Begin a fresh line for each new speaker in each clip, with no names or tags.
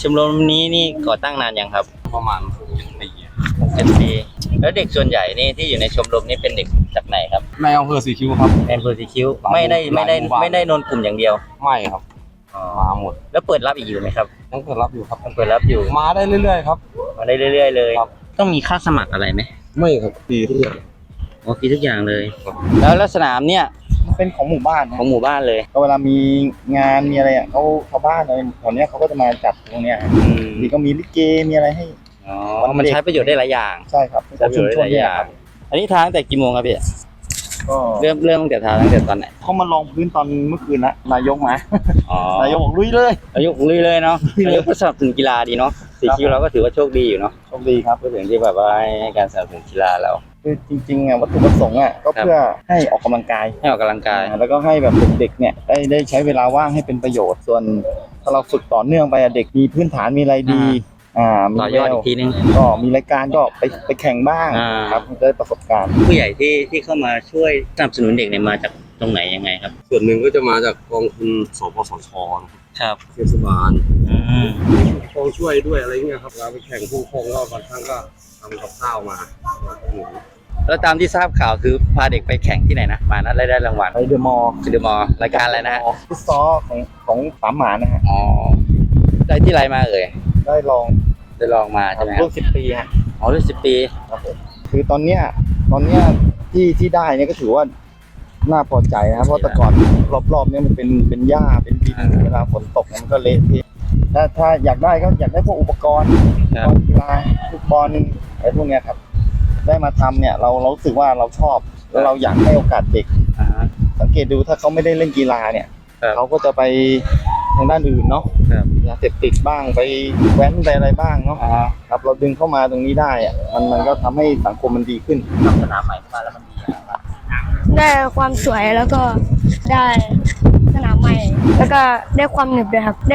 ชมรมนี้นี่ก่อตั้งนานยังครับ
ประมาณปี
6-7 ปีแล้วเด็กส่วนใหญ่นี่ที่อยู่ในชมรมนี่เป็นเด็กจากไหนครับ
ในอำเภอสีคิ้วครับ
ในอำเภอสีคิ้วไม่ได้นนกลุ่มอย่างเดียว
ไม่ครับมาหมด
แล้วเปิดรับอีกอยู่ไหมครับ
ยังเปิดรับอยู่ครับ
ยังเปิดรับอยู่
มาได้เรื่อยๆครับ
มาได้เรื่อยๆเลยต้องมีค่าสมัครอะไรไหม
ไม่ครับฟรีทุกอย่าง
อ๋อฟรีทุกอย่างเลยแล้วสนามเนี่ย
เป็นของหมู่บ้าน
ของหมู่บ้านเลย
ก็เวลามีงานมีอะไรอ่ะเขาชาวบ้านอะไรแถวเนี้ยเขาก็จะมาจัดตรงเนี้ยมีก็มีลิเกมีอะไรให้
อ๋อมันใช้ประโยชน์ได้หลายอย่าง
ใช่ครับ
ใช้ประโยชน์ได้หลายอย่างอันนี้ทางแต่กี่โมงครับพี่
ก็
เริ่มตั้งแต่ทางตั้งแต่ตอนไหน
เขามาลองพื้นตอนเมื่อคืนละนายกมานายกบอกลุยเลย
นายกลุยเลยเนาะนายกก็สนับสนุนกีฬาดีเนาะสีคิวเราก็ถือว่าโชคดีอยู่เนาะ
โชคดีครับ
ก็ถึงที่แบบว่าให้การสนับสนุนกีฬาเรา
คือจริงๆอ่ะวัตถุประสงค์อ่ะก็เพื่อให้ออกกำลังกายแล้วก็ให้แบบเด็กๆเนี่ยได้ใช้เวลาว่างให้เป็นประโยชน์ส่วนถ้าเราฝึกต่อเนื่องไปเด็กมีพื้นฐานมีอะไรดี
มีต่อยอดอีกทีนึง
ก็มีรายการก็ไปแข่งบ้างครับได้ประสบการณ์
ผู้ใหญ่ที่เข้ามาช่วยสนับสนุนเด็กเนี่ยมาจากตรงไหนยังไงครับ
ส่วนหนึ่งก็จะมาจากกองทุนสปสช.
ครับ
เทศบาลผู้ปกครองช่วยด้วยอะไรเงี้ยครับเราไปแข่งผู้ปกครองก็บางครั้งก็ทำกับข้าวมา
แล้วตามที่ทราบข่าวคือพาเด็กไปแข่งที่ไหนนะมานั้นได้รางวัล
ไปเดอะมอลล์
รายการอะไรนะ
ฟุตซอลของสามหมานะฮะ
อ๋อได้ที่ไรมา
ได้ลอง
มาใช่ไหม
รุ่น10 ปีฮะ
อ๋อรุ่น10 ปี
ครับผมคือตอนเนี้ยที่ได้เนี่ยก็ถือว่าน่าพอใจนะครับเพราะแต่ก่อนรอบๆเนี่ยมันเป็นหญ้าเป็นดินเวลาฝนตกมันก็เละเทะถ้าอยากได้ก็อยากได้พวกอุปกรณ์กีฬาฟุตบอลอะไรพวกเนี้ยครับได้มาทำเนี่ยเรารู้สึกว่าเราชอบแล้วเราอยากให้โอกาสเด็กสังเกตดูถ้าเขาไม่ได้เล่นกีฬาเนี่ยเขาก็จะไปทางด้านอื่นเนาะยาเสพติดบ้างไปแว้นไปอะไรบ้างเนาะครับเราดึงเข้ามาตรงนี้ได้อะมันก็ทำให้สังคมมันดีขึ้น
ทำสนามใหม่มาแล้วมันดีอย่างไร
ได้ความสวยแล้วก็ได้สนามใหม่แล้วก็ได้ความหนึบด้วยครับ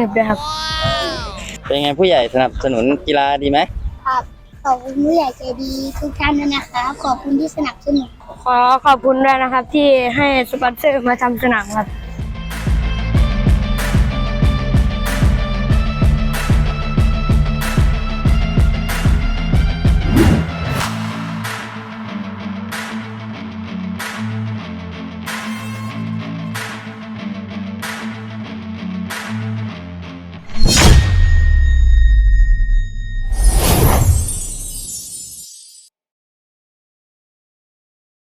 เป็นไงผู้ใหญ่สนับสนุนกีฬาดีไหม
ครับขอบคุณผู้ใหญ่ใจดีทุกท่านด้วยนะครับขอบคุณที่สนับสนุน
ขอบคุณด้วยนะครับที่ให้สปอนเซอร์มาทำสนามครับ